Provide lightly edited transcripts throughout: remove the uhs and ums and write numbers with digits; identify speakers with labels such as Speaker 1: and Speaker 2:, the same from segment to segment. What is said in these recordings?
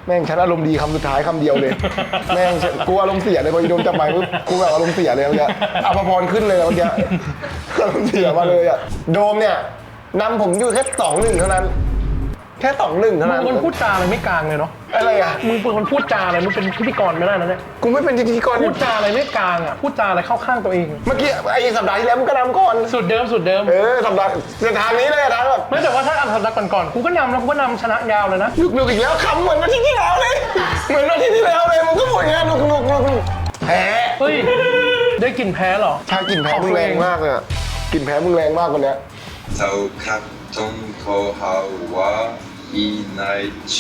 Speaker 1: แม่งฉันอารมณ์ดีคำสุดท้ายคำเดียวเลยแม่งกูอารมณ์เสียเลยพออีโดมจับไมค์ปุ๊บกูแบบอารมณ์เสียเลยเมื่อกี้อภพรขึ้นเลยเมื่อกี้อารมณ์เสียมาเลยอ่ะโดมเนี่ยนำผมอยู่แค่2-1เท่านั้นแค่2-1เท่า
Speaker 2: มึง
Speaker 1: นั้น
Speaker 2: เป็นคนพูดจาอะไรไม่กลางเลยเนาะ
Speaker 1: อะไรอ่ะ
Speaker 2: มึงเป็นคนพูดจาอะไรมึงเป็นพิธีกรไม่ได้นะเนี่ย
Speaker 1: กูไม่เป็นพิธีกร
Speaker 2: พูดจาอะไรไม่กลางอ่ะพูดจาอะไรเข้าข้างตัวเอง
Speaker 1: เมื่อกี้ไอ้สัปดาห์ที่แล้วมึงก็นำก่อน
Speaker 2: สุดเดิมสุดเดิม
Speaker 1: สัปดาห์ทางนี้เลยนะแบบ
Speaker 2: ไม่แต่ว่าถ้าอันสัปดาห์ก่อนๆกูก็นำแล้วกูก็นำชนะยาวเลยนะ
Speaker 1: ลุกอีกแล้วคำเหมือนวันที่ที่แล้วเลยเหมือนวันที่ที่แล้วเลยมึงก็พูดอย่างนี้ลุกแพ้
Speaker 2: เฮ้ยได้กลิ่นแพ้เหรอ
Speaker 1: ชากลิ่นแพ้มึงแรงมากเลยอะกลิ่นแพ้มึงแรงมากกว่านี้
Speaker 3: เจ้าคักตงโคฮาวาอีไนโช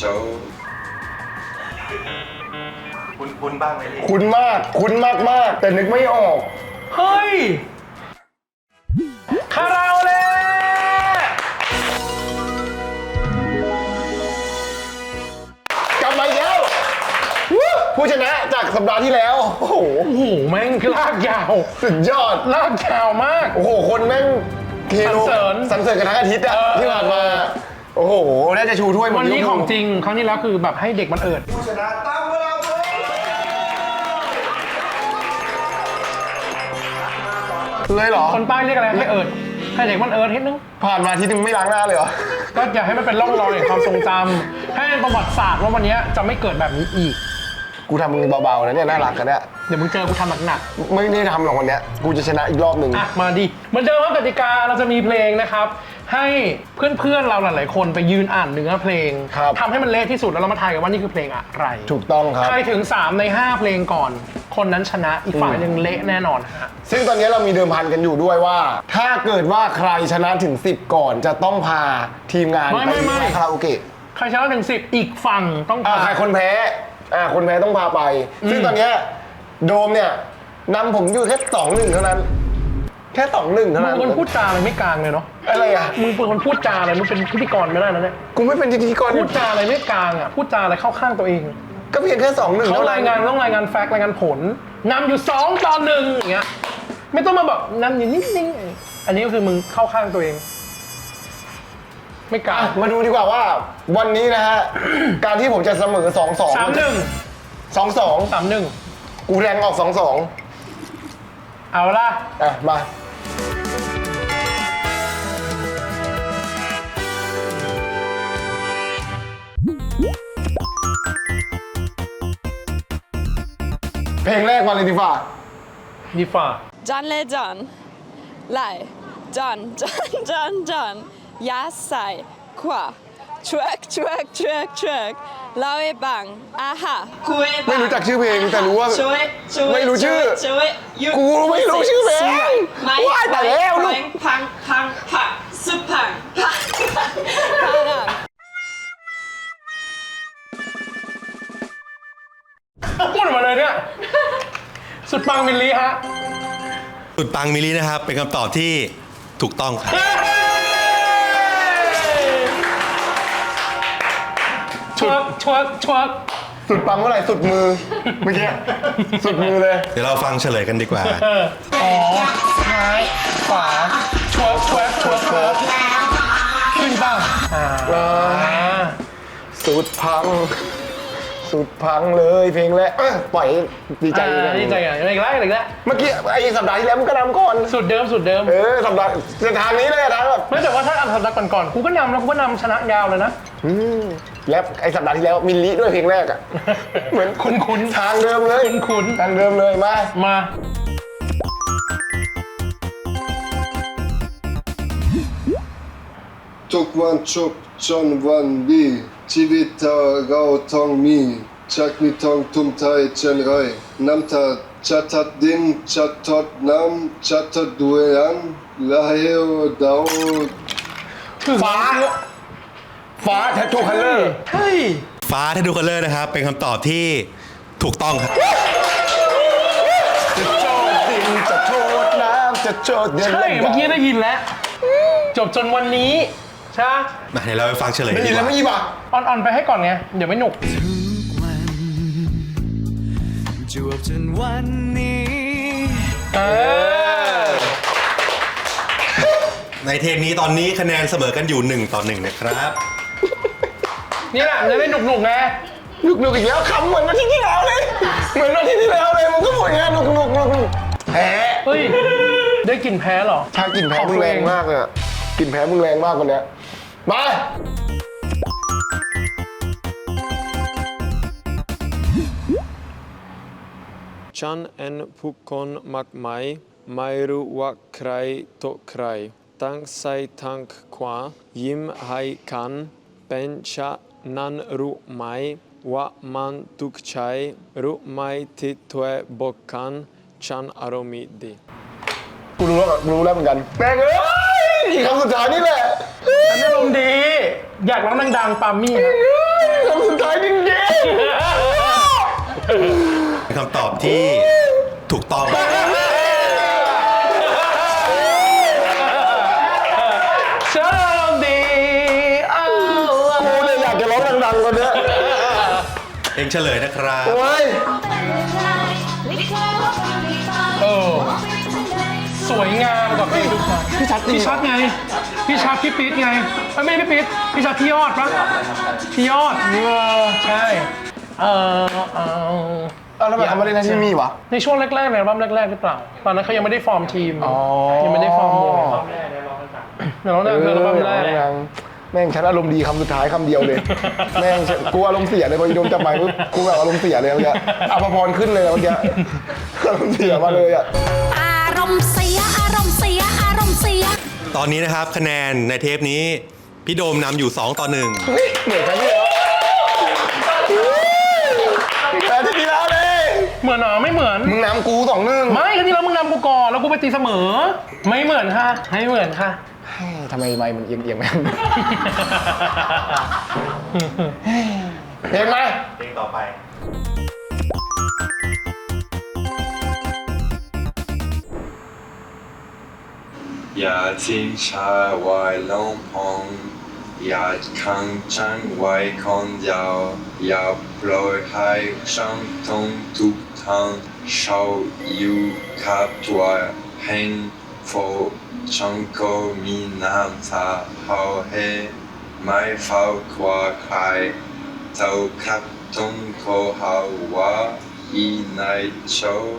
Speaker 4: คุณบ้างไหมพี่
Speaker 1: คุ้นมากแต่นึกไม่ออก
Speaker 2: เฮ้ยคาราโอเล่
Speaker 1: กลับมาอีกแล้วผู้ชนะจากสัปดาห์ที่แล้วโอ้โห
Speaker 2: โอ้โหแม่งลากยาว
Speaker 1: สุดยอด
Speaker 2: ลากยาวมาก
Speaker 1: โอ้โหคนแม่งเทโล
Speaker 2: สรรเสริญ
Speaker 1: กันทั้งอาทิตย์อะที่ผ่านมาโอ้โหน่าจะชูถ้วยหมด
Speaker 2: วันนี้ของจริงครั้งที่แล้วคือแบบให้เด็กมันเอิด
Speaker 4: ผู้ชนะตั้งเวลาเลย
Speaker 1: เลยเหรอ
Speaker 2: คนใต้เรียกอะไรให้เอิดให้เด็กมันเอิดนิดนึง
Speaker 1: ผ่านมาอาทิตย์นึงไม่ล้างหน้าเลยเหรอ
Speaker 2: ก็อย่าให้มันเป็นร่องรอยแห่งความทรงจำให้เป็นประวัติศาสตร์ว่าวันนี้จะไม่เกิดแบบนี้อีก
Speaker 1: กูทำมึงเบาๆนะเนี่ยน่ารักกันเนี่ย
Speaker 2: เดี๋ยวมึงเจอกูทำหนัก
Speaker 1: ไม่ได้ทำหรอกวันเนี้ยกูจะชนะอีกรอบหนึ่ง
Speaker 2: ๆอ่ะมาดิเหมือนเดิมว่ากติกาเราจะมีเพลงนะครับ ให้เพื่อนๆเราหลายๆคนไปยืนอ่านเนื้อเพลงทำให้มันเละที่สุดแล้วเรามาทายกันว่านี่คือเพลงอะไร
Speaker 1: ถูกต้องครับ
Speaker 2: ใครถึง3 ใน 5 เพลงก่อน คนนั้นชนะอีกฝ่ายหนึ่งเละแน่นอนฮะ
Speaker 1: ซึ่งตอนนี้เรามีเดิมพันกันอยู่ด้วยว่า ถ้าเกิดว่าใครชนะถึง 10 ก่อนจะต้องพาทีมงานไปคาราโอเกะ
Speaker 2: ใครชนะถึง10อีกฝั่งต้องพา
Speaker 1: ใครคนแพ้คนแพ้ต้องพาไป ซึ่งตอนเนี้ยโดมเนี่ยนำผมอยู่แค่2-1เท่านั้นแค่2-1เท่า
Speaker 2: มึง
Speaker 1: นั้น
Speaker 2: เป็นคนพูดจาอะไรไม่กลางเลยเนาะ
Speaker 1: อะไรอ่ะ
Speaker 2: มึงเป็นคนพูดจาอะไรมึงเป็นพิธีกรไม่ได้นะเนี่ย
Speaker 1: กูไม่เป็นพิธีกร
Speaker 2: พูดจาอะไรไม่กลางอ่ะพูดจาอะไรเข้าข้างตัวเอง
Speaker 1: ก็เพียงแค่2-1
Speaker 2: เขา
Speaker 1: เท่านั้
Speaker 2: ราน ยงานต้องรายงานแฟกต์รายงานผลนำอยู่2-1อย่างเงี้ยไม่ต้องมาแบบนำอยู่นิ่งๆอันนี้ก็คือมึงเข้าข้างตัวเอง ไม่กล้า
Speaker 1: มาดูดีกว่าว่าวันนี้นะฮะ การที่ผมจะเสมอ 2-2
Speaker 2: 3-1
Speaker 1: 2-2
Speaker 2: 3-1
Speaker 1: กูแรงออก 2-2
Speaker 2: เอาละ
Speaker 1: มาเพลงแรกมาเลยดีกว่า
Speaker 2: ดีฝ่า
Speaker 5: John Le John ไล่ John John John John ยาใส่ขวา track track track track เล่าให้บังอาฮะคุยบัง
Speaker 1: ไม่รู้จักชื่อเพลงแต่รู้ว่า
Speaker 5: ช่วยช่วย
Speaker 1: ไม่รู้ชื่อ
Speaker 5: ช่วยหยุด
Speaker 1: กูไม่รู้ชื่อเพลง
Speaker 5: ไม่
Speaker 1: ว้ายตายแล้วลูก
Speaker 5: พังพังพังสุดพังพังพัง
Speaker 2: พูดออกมาเลยเนี่ย สุดปังมิลลีฮะ
Speaker 6: สุดปังมิลลินะครับ เป็นคำตอบที่ถูกต้องครับ
Speaker 2: ชวกชวกชวก
Speaker 1: สุดปังเมื่อไหร่สุดมือเมื่อกี้สุดมือเลย
Speaker 6: เดี๋ยวเราฟังเฉลยกันดีกว่า
Speaker 2: อ๋อซ้ายขวาชวกชวกชวกชวกขึ้นบ้าง
Speaker 1: สุดพัง สุดพังเลยเพลงแรกปล่อยให้ดีใจเลย
Speaker 2: ดีใจอ่ะอีกแล้วอีกแล้ว
Speaker 1: เมื่อกี้ไอ้สัปดาห์ที่แล้วมึงก็นำก่อน
Speaker 2: สุดเดิมสุดเดิม
Speaker 1: สัปดาห์ทางนี้เลยนะแบบ
Speaker 2: ไม่แต่ว่าถ้าอันสัปดาห์ก่อนๆกูก็นำแล้วกูก็นำชนะยาวเลยนะ
Speaker 1: แล้วไอ้สัปดาห์ที่แล้วมิลลิด้วยเพลงแรกอ่ะ เหมือน
Speaker 2: คุ้นๆ
Speaker 1: ทางเดิมเลย
Speaker 2: คุ้น
Speaker 1: ทางเดิมเลยมา
Speaker 2: มา
Speaker 3: ทุกวันชุบจนวันดีชีวิตเราต้องมีจากมีต้องทุ่มเทเช่นไรน้ำตาจะทัดดินจะทดน้ำจะทัดด้วยอันและเฮวดาว
Speaker 1: ฟ้าแททูคัลเลอร์
Speaker 2: เฮ้ย
Speaker 6: ฟ้าถ้าดูคัลเลอร์นะครับ เป็นคำตอบที่ถูกต้องครับ
Speaker 1: จะโจดดินจะโทษน้ำจะโจดเดือน
Speaker 2: ใช่เมื่อกี้ได้ยินแล้ว จบจนวันนี้ใช่ไหม
Speaker 6: มาเดี๋ยวเราไปฟังเฉลย
Speaker 1: ได้
Speaker 6: ดี
Speaker 1: ยิน
Speaker 6: ก
Speaker 1: แล้ว
Speaker 6: ว่า
Speaker 1: ไม่ยี่ป่ะ
Speaker 2: อ่อนๆไปให้ก่อนไง เดี๋ยวไม่หนุก
Speaker 7: จวบจนวันนี้
Speaker 6: ในเทปนี้ตอนนี้คะแนนเสมอกันอยู่1-1นะครับ
Speaker 2: นี่แหละจะได้หนุกๆไง
Speaker 1: หนุกอีกแล้วคำเหมือนอาทิตย์ที่แล้วเลยเหมือนอาทิตย์ที่แล้วเลยมึงก็พูดอย่างนี้หนุกแพ้
Speaker 2: เฮ้ย ได้กลิ่นแพ้เหรอ
Speaker 1: ถ้ากลิ่นแพ้มึงแรงมากเลยอะกลิ่นแพ้มึงแรงมากกว่านี้มา
Speaker 8: ฉันเห็นผู้คนมากมายไม่รู้ว่าใครต่อใครตั้งซ้ายทั้งขวายิ้มให้กันเป็นฉะนั้นรู้ไหมว่ามันทุกข์ใจรู้ไหมที่เธอบอกกันฉันอารมณ์ดี
Speaker 1: กูรู้แล้วเหมือนกันแม่งเอ้ยอีกคำสุดท้ายนี่แหละ
Speaker 2: ฉันอารมณ์ดี อยากร้องดังๆปามี่ครับ
Speaker 1: คำสุดท้ายจริง
Speaker 6: เป็นคำตอบที่ถูกต้อง
Speaker 2: ฉันอารมณ์ดีอ้าว
Speaker 1: ๆกูเนี่ยอยากจะร้องดังๆกว่านี้
Speaker 6: เองเฉลยนะครับ
Speaker 1: โอ้ย
Speaker 2: เออสวยงามกว่าเพลงทุกครั้ง
Speaker 1: พี่ชัดจริง
Speaker 2: พี่ชัดไง พี่ชัดพี่ปิ๊ดไงไม่พี่ปิ๊ดพี่ชัดพี่ยอดปะพี่ยอดใช่
Speaker 1: แล้วทำไมเขาไม่ได้นะที่มีวะ
Speaker 2: ในช่วงแรกๆในอัลบั้มแรกๆหรือเปล่า ตอนนั้นเขายังไม่ได้ฟอร์มทีมยังไม่ได้ฟอร์มวงเดี๋ยวร้องดังคืออัลบั้มแรก
Speaker 1: แม่งฉันอารมณ์ดีคำสุดท้ายคำเดียวเลย แม่งกูอารมณ์เสียเลยพออีโดมจับไมค์ปุ๊บกูแบบอารมณ์เสียเลยเมื่อกี้อภพรขึ้นเลยเมื่อกี้อารมณ์เสียมาเลยอ่ะ
Speaker 9: อารมณ์เสียอารมณ์เสียอารมณ์เสีย
Speaker 6: ตอนนี้นะครับคะแนนในเทปนี้ พี่โดมนำอยู่ 2-1
Speaker 1: เหมือนกันที่แล้วแต่ที่ที่แล้วเลย
Speaker 2: เหมือนเหรอไม่เหมือน
Speaker 1: มึงนำกู2-1
Speaker 2: ไม่ครั้งที่แล้วมึงนำกูก่อนแล้วกูไปตีเสมอ ไม่เหมือนค่ะไม่เหมือนค่ะ
Speaker 1: ทำไมไมค์มันเอียงๆไหมเห็นไหม
Speaker 4: เพลงต่อไป
Speaker 3: อย่าทิ้งชาไว้ลงพงอย่าขังฉันไว้คนเดียวอย่าปล่อยให้ฉันต้องทุกทางฉันอยู่กับตัวเองฉันก็มีน้ำตาเขาให้ไม่เฝ้ากว่าใครเท่ากับต้องขอหาว่าอีนายโช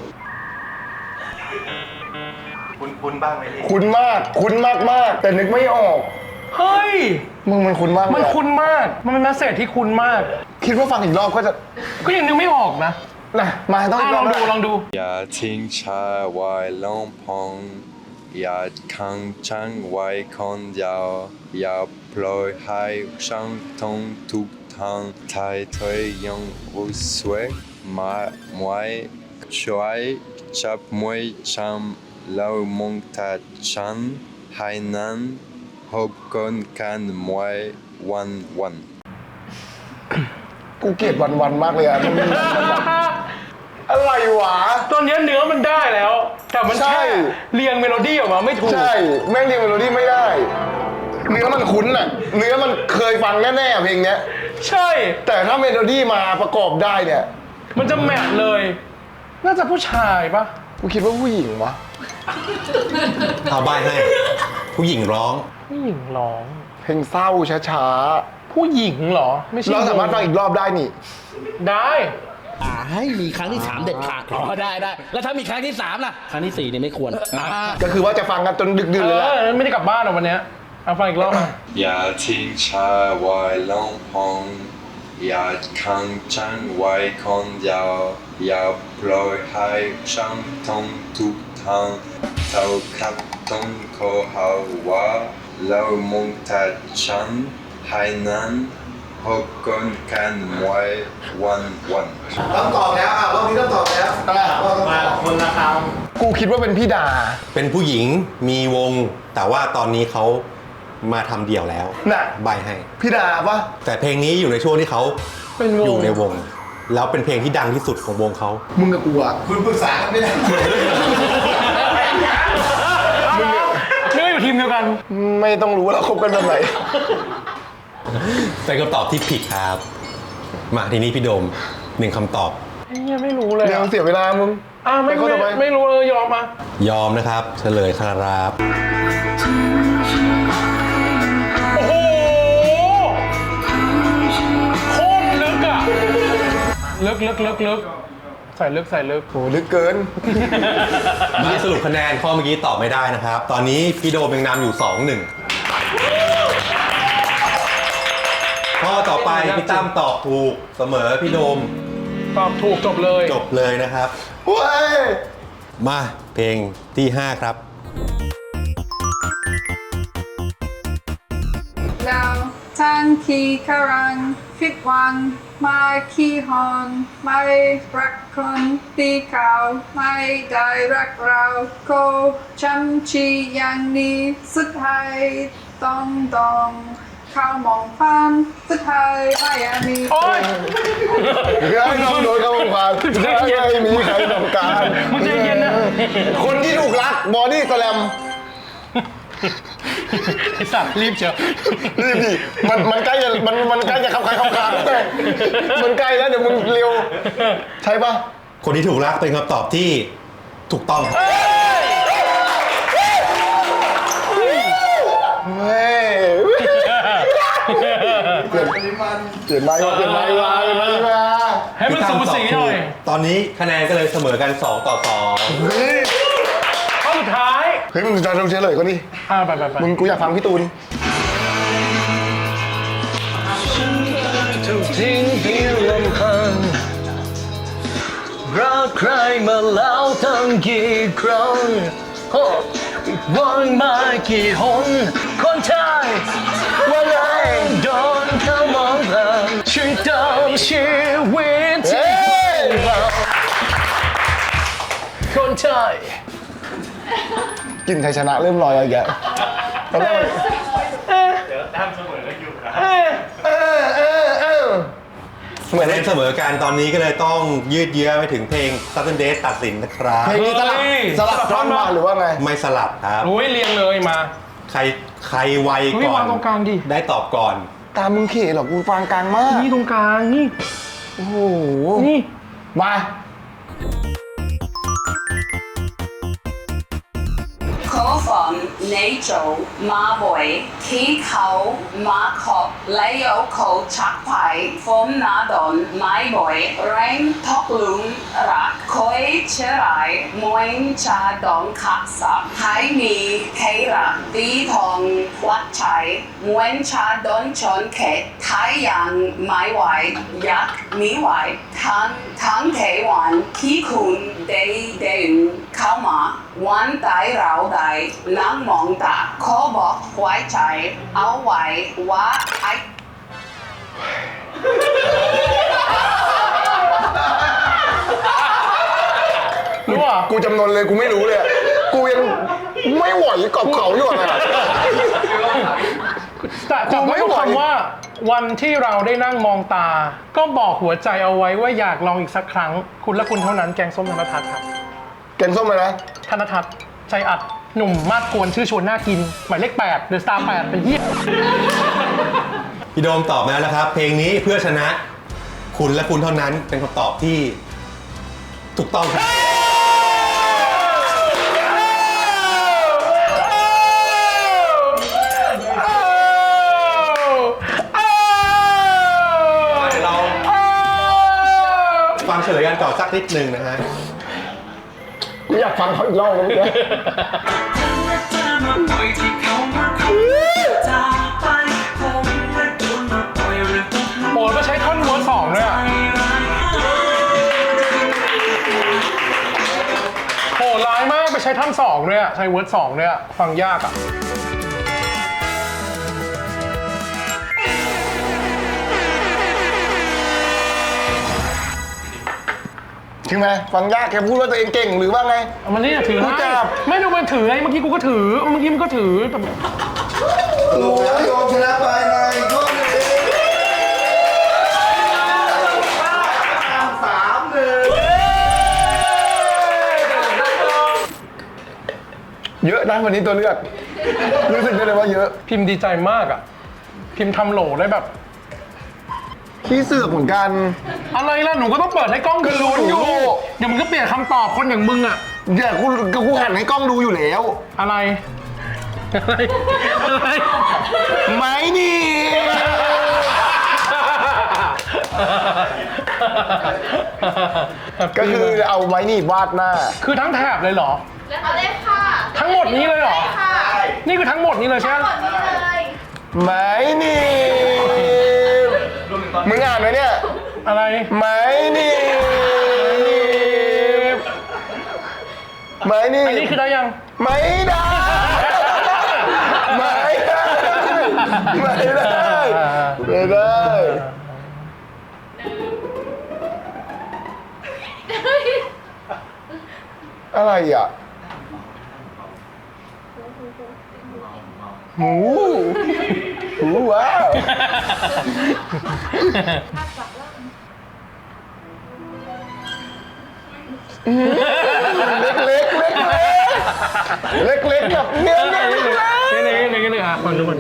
Speaker 4: คุณบ้างไหมลี่
Speaker 1: คุ้นมากแต่นึกไม่ออก
Speaker 2: เฮ้ย
Speaker 1: มึงมันคุ้นมากเลย
Speaker 2: มัน
Speaker 1: อะ
Speaker 2: คุ้นมาก มันเป็นแมสเซจที่คุ้นมาก
Speaker 1: คิดว่าฟังอีกรอบก็จะ
Speaker 2: ก็ยังนึกไม่ออกนะ
Speaker 1: นะมาต้องอีกร
Speaker 2: ล
Speaker 1: อ
Speaker 2: อบ งดู
Speaker 1: นะ
Speaker 2: ลองดู
Speaker 3: อย่าทิ้งชาไว้ลงพงอย่าขังฉันไว้คนเดียวอย่าปล่อยให้ฉันต้องทุกทางถ้าเธอยังรู้สึกไม่ช่วยจับมือฉันแล้วมองตาฉันให้นานพบกันไม่วัน
Speaker 1: กูเกลียดวันมากเลยอะมันอะไรวะ
Speaker 2: ตอนนี้เนื้อมันได้แล้ว แต่มัน
Speaker 1: ใช่
Speaker 2: แค่เรียงเมโลดี้ออกมาไม่ถูก
Speaker 1: ใช่แม่งเรียนเมโลดี้ไม่ได้ เนื้อมันคุ้นอะเนื้อมันเคยฟังแน่ๆเพลงเนี้ย
Speaker 2: ใช่
Speaker 1: แต่ถ้าเมโลดี้มาประกอบได้เนี่ย
Speaker 2: มันจะแมทเลย น่าจะผู้ชายปะ
Speaker 1: กูคิดว่าผู้หญิงวะ
Speaker 6: เอาใบให้ ผู้หญิงร้อง
Speaker 2: ผู้หญิงร้อง
Speaker 1: เพลงเศร้าช้า
Speaker 2: ผู้หญิงเหรอ ไม่
Speaker 1: ๆ
Speaker 2: ใช่
Speaker 1: เราสามารถฟังอีกรอบได้นี่
Speaker 2: ได้
Speaker 10: ให้มีครั้งที่ 3 เด็ดขาดอ๋อได้ แล้วถ้ามีครั้งที่ 3 ล่ะ ครั้งที่ 4 เนี่ยไม่ควร
Speaker 1: ก็คือว่าจะฟังกันจนดึกดื่นเลยแหละ
Speaker 2: ไม่ได้กลับบ้านหรอกวันเนี้ยเอาฟังอีกรอบอ่ะ
Speaker 3: อย่าทิ้งชาไว้ลงพงอย่าขังฉันไว้คนเดียวอย่าปล่อยให้ฉันต้องทุกทางเท่ากับต้องขอหาว่าแล้วมองตาฉันให้นานพบกันไม่วัน
Speaker 4: ต้องตอบแล้วอ่ะรอบนี้ต้องตอบแล้วมาคนละค
Speaker 1: กูคิดว่าเป็นพี่ดา
Speaker 6: เป็นผู้หญิงมีวง แต่ว่าตอนนี้เขามาทำเดี่ยวแล้ว
Speaker 1: น่ะ
Speaker 6: ใบให้
Speaker 1: พี่ดาปะ
Speaker 6: แต่เพลงนี้อยู่ในช่วงที่เขา
Speaker 2: เป็นวง
Speaker 6: อยู่ในวง แล้วเป็นเพลงที่ดังที่สุดของวงเขา
Speaker 1: มึงกับกูอะ
Speaker 4: ำคุณปรึกษากันไม่ได้
Speaker 2: เนื้ออยู่ทีมเดียวกัน
Speaker 1: ไม่ต้องรู้ว่าเราคบกันแบบไหน
Speaker 6: เป็นคำตอบที่ผิดครับ มาทีนี้พี่โดม1คำตอบ
Speaker 2: ยังไม่รู้เลย
Speaker 1: เดี๋ยวเสียเวลามึง
Speaker 2: ไม่
Speaker 1: ปข้อต่อป
Speaker 2: ไม่รู้เลยยอมมาย
Speaker 6: อมนะครับ เฉลยครับ
Speaker 2: โอ้โหโคตรลึกอ่ะลึกใส่ลึก
Speaker 1: โหลึกเกิน
Speaker 6: มาสรุปคะแนนข้อเมื่อกี้ตอบไม่ได้นะครับ ตอนนี้พี่โดมยังนำอยู่ 2-1 ข้อต่อไปพี่ตั้มตอบถูกเสมอพี่โดม
Speaker 2: ตอบถูกจบเลย
Speaker 6: จบเลยนะครับ
Speaker 1: เว้ย
Speaker 6: มาเพลงที่ 5 ครับ
Speaker 5: เราทั้งขี้คารังผิดหวังไม่ขี้หอนไม่รักคนตีเขาไม่ได้รักเราก็จำชีอย่างนี้สุดท้ายต้องเข้ามองฟันสุดท้ายไม่อยากมี
Speaker 2: โอ๊ย
Speaker 1: เรื่องน้องโดนเขาบังคับไม่มีใครต้องการ
Speaker 2: มึงใจเย็นนะ
Speaker 1: คนที่ถูกรักบอดี้สแลม
Speaker 2: ไอ้สัตว์รีบเชียว
Speaker 1: รีบดิมันใกล้จะมันใกล้จะเข้าใครเข้าคางมันใกล้แล้วเดี๋ยวมึงเร็วใช่ปะ
Speaker 6: คนที่ถูกรักเป็นคำตอบที่ถูกต้องครับ
Speaker 1: เฮ้ยเปลี่ยนไม้มา
Speaker 2: ให้มันสูสีหน่อย
Speaker 6: ตอนนี้คะแนนก็เลยเสมอกัน 2-2
Speaker 2: ข้อสุดท้าย
Speaker 1: เฮ้ยมึงจะเฉลยก่อนดิ
Speaker 2: ไป
Speaker 1: มึงกูอยากฟังพี่ตูน
Speaker 10: ถูกทิ้งเพียงลำพังรักใครมาแล้วตั้งกี่ครั้งวันมากี่หนคนไทยวันไหนโดนเขามองผ่านช่วยเติมชีวิตที่เราคนไทย
Speaker 1: กลินไทยชนะเริ่มลอยอะไรแกตอนแรกเหมือน
Speaker 6: คะแนนเสมอกันตอนนี้ก็เลยต้องยืดเยื้อไปถึงเพลง Southern Days ตัดสินนะครับ
Speaker 1: เพลงนี้สลับท่อนมาหรือว่าไง
Speaker 6: ไม่สลับครับ
Speaker 2: โอ้ยเรียงเลยมา
Speaker 6: ใครไว
Speaker 2: เฮ้ย
Speaker 6: ก่อ
Speaker 2: วาน งตรงกลางดิ
Speaker 6: ได้ตอบก่อน
Speaker 1: ตามมึงเขี่หรอกกูฟังกลางมาก
Speaker 2: นี่ตรงกลางนี่
Speaker 1: โอ้โห
Speaker 2: นี่
Speaker 1: มา
Speaker 5: ขอฝันในโจมาบ่อยที่เขามาขอบและยกเขาชักไปฝนหนาดอนไม่บ่อยแรงทอกลุงรักคอยเชื่อไรมวยชาดองขักสับให้มีใครรักตีทองวัดใจมวยชาดอนชนเขตไทยยังไม่ไหวอยากมีไหวทั้งเทวันที่คุณได้เดินเข้ามาวันใดเราได้นั่งมองตาขอบอกไว้ใจเอาไว้ว่าไอ
Speaker 2: รู้ป่ะ
Speaker 1: กูจำนนเลยกูไม่รู้เลยอะกูยังไม่ไหวกับเขาอยู่อะ
Speaker 2: แต่ไม่รู้คำว่าวันที่เราได้นั่งมองตา ก็บอกหัวใจเอาไว้ว่าอยากลองอีกสักครั้ง คุณและคุณเท่านั้นแกงส้มธนทัศน์ครับ
Speaker 1: แกงส้มเลยนะ
Speaker 2: ธนทัศน์ใจอัดหนุ่มมาดกวนชื่อชวนน่ากิน หมายเลข8 The Star 8 เป็นเหี้ย
Speaker 6: พี่โดมตอบมาแล้วนะครับ เพลงนี้เพื่อชนะคุณและคุณเท่านั้นเป็นคำตอบที่ถูกต้องครับ เราฟังเฉลยกันก่อนสักนิดหนึ่งนะฮะ
Speaker 1: กูอยากฟังเขาอีกรอบแล้วเมื่อกี้
Speaker 2: โอ้ยก็ใช้ท่อนเวิร์ส2ด้วยอ่ะโหร้ายมากไปใช้ท่อน2ด้วยอ่ะใช้เวิร์ส2ด้วยอ่ะฟังยากอ่ะ
Speaker 1: ใช่ไหมฟังยากแกพูดว่าตัวเองเก่งหรือว่าไง
Speaker 2: มันนี่ถือ
Speaker 1: กู
Speaker 2: ให้
Speaker 1: จับ
Speaker 2: ไม่ดูมันถือไงเมื่อกี้กูก็ถือเมื่อกี้มันก็ถือแต่
Speaker 3: สรุปแล้วโยมชนะไปในข้อหนึ่ง
Speaker 1: เยอะนะวันนี้ตัวเลือกรู้สึกได้เลยว่าเยอะ
Speaker 2: พิมพ์ดีใจมากอ่ะพิมพ์ทำโหลได้แบบ
Speaker 1: ขี้เสือกเหมือนกัน
Speaker 2: อะไรล่ะหนูก็ต้องเปิดให้กล้องดู
Speaker 1: ก็รู้อยู่
Speaker 2: เดี๋ยวมึงก็เปลี่ยนคำตอบคนอย่างมึงอ่ะ
Speaker 1: เดี๋ยวกูหันให้กล้องดูอยู่แล้ว
Speaker 2: อะไรอะไร
Speaker 1: ไม่นี่ก็คือเอาไม้หนีบวาดหน้า
Speaker 2: คือทั้งแถบเลยเหรอ
Speaker 11: เอาเลยค่ะ
Speaker 2: ทั้งหมดนี้เลยเหรอ
Speaker 11: ค่ะ
Speaker 2: นี่คือทั้งหมดนี้เลยใช่ไหม
Speaker 11: หมดนี้เลย
Speaker 1: ไม้หนีบมึงอ่านไหมเนี่ย
Speaker 2: อะไร
Speaker 1: ไม้หนีบไม้หนีบ
Speaker 2: อันนี้คือได้ยัง
Speaker 1: ไม่ได้ไม่ได้ไม่ได้ไม่ได้อะไรอ่ะหูว้าวเล็กกับเงี้ยเล็ก
Speaker 2: นี่อ่ะคนทุกคน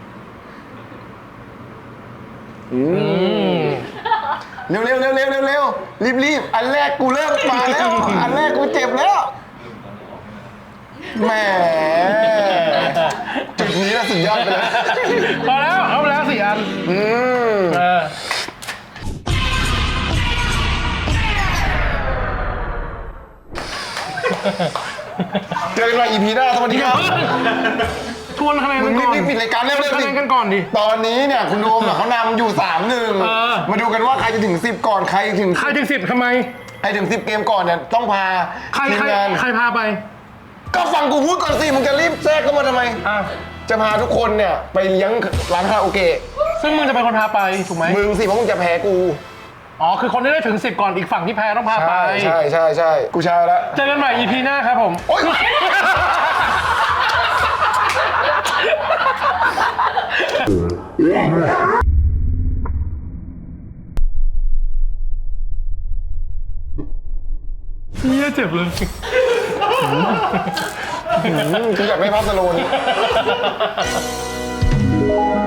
Speaker 1: เร็วรีบอันแรกกูเริ่มมาแล้ว อันแรกกูเจ็บแล้วแหมจุดนี้น่ะสุดยอดไปเลย
Speaker 2: พอแล้วเอาไปแล้ว4 อัน
Speaker 1: เจอกันใหม่ EP หน้าสวัสดีครับ
Speaker 2: ทวนคะแนน
Speaker 1: มึ
Speaker 2: กั
Speaker 1: ง
Speaker 2: นก่อน
Speaker 1: รีบปิดรายการเร็ว
Speaker 2: คะแนนกันก่อนดิ
Speaker 1: ตอนนี้เนี่ยคุณโดมเขานำอยู่3-1มาดูกันว่าใครจะถึง10ก่อนใครถึง
Speaker 2: ใครถึง10ทำไม
Speaker 1: ใครถึง10เกมก่อนเนี่ยต้องพา
Speaker 2: ใคร
Speaker 1: ทีมงาน
Speaker 2: พาไป
Speaker 1: ก็ฟังกูพูดก่อนสิมึงจะรีบแทรกเข้ามาทำไมจะพาทุกคนเนี่ยไปเลี้ยงร้านคาราโอเกะ
Speaker 2: ซึ่งมึงจะเป็นคนพาไปถูกไหม
Speaker 1: มึงสิเพราะมึงจะแพ้กู
Speaker 2: อ๋อคือคนที่ได้ถึง10ก่อนอีกฝั่งที่แพ้ต้องพาไป
Speaker 1: ใช่กูชาแล้ว
Speaker 2: เจอกันใหม่ EP หน้าครับผม
Speaker 1: โอ๊ย
Speaker 2: เนี่ยเจ็บเลย
Speaker 1: กูอยากได้ภาพสโลว์นี้